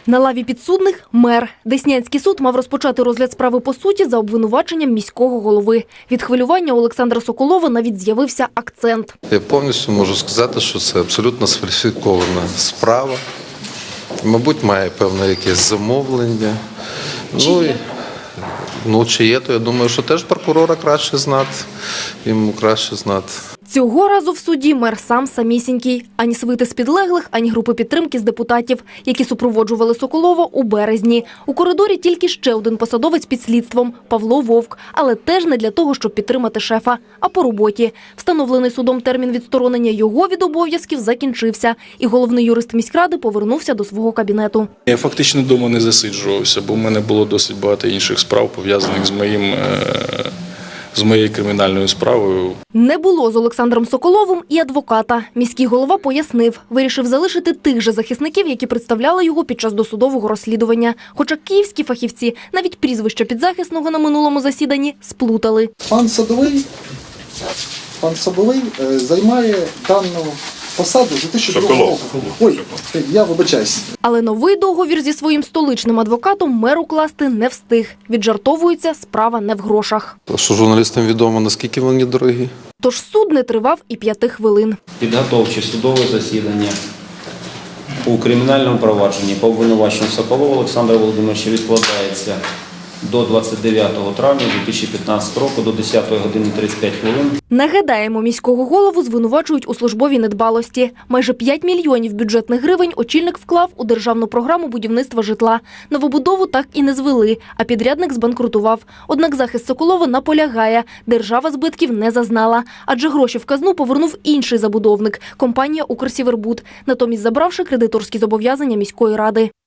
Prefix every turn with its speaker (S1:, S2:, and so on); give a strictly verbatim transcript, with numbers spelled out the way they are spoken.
S1: На лаві підсудних – мер. Деснянський суд мав розпочати розгляд справи по суті за обвинуваченням міського голови. Від хвилювання у Олександра Соколова навіть з'явився акцент.
S2: Я повністю можу сказати, що це абсолютно сфальсифікована справа. Мабуть, має певне якесь замовлення. Ну, і, ну, чи є, то я думаю, що теж прокурора краще знати, йому краще знати.
S1: Цього разу в суді мер сам самісінький. Ані свити з підлеглих, ані групи підтримки з депутатів, які супроводжували Соколова у березні. У коридорі тільки ще один посадовець під слідством – Павло Вовк. Але теж не для того, щоб підтримати шефа, а по роботі. Встановлений судом термін відсторонення його від обов'язків закінчився. І головний юрист міськради повернувся до свого кабінету.
S3: Я фактично вдома не засиджувався, бо в мене було досить багато інших справ, пов'язаних з моїм... з моєю кримінальною справою.
S1: Не було з Олександром Соколовим і адвоката. Міський голова пояснив, вирішив залишити тих же захисників, які представляли його під час досудового розслідування. Хоча київські фахівці навіть прізвища підзахисного на минулому засіданні сплутали.
S4: Пан Садовий, пан Садовий е, займає дану посаду з дві тисячі другого року. Ой, я вибачаюсь.
S1: Але новий договір зі своїм столичним адвокатом мер укласти не встиг. Віджартовується, справа не в грошах.
S2: Що журналістам відомо, наскільки вони дорогі?
S1: Тож суд не тривав і п'яти хвилин.
S5: Підготовче судове засідання у кримінальному провадженні по обвинуваченню Соколова Олександра Володимировича відкладається до двадцять дев'ятого травня дві тисячі п'ятнадцятого року до десятої години тридцять п'ять хвилин.
S1: Нагадаємо, міського голову звинувачують у службовій недбалості. Майже п'ять мільйонів бюджетних гривень очільник вклав у державну програму будівництва житла. Новобудову так і не звели, а підрядник збанкрутував. Однак захист Соколова наполягає, держава збитків не зазнала. Адже гроші в казну повернув інший забудовник – компанія «Укрсівербуд», натомість забравши кредиторські зобов'язання міської ради.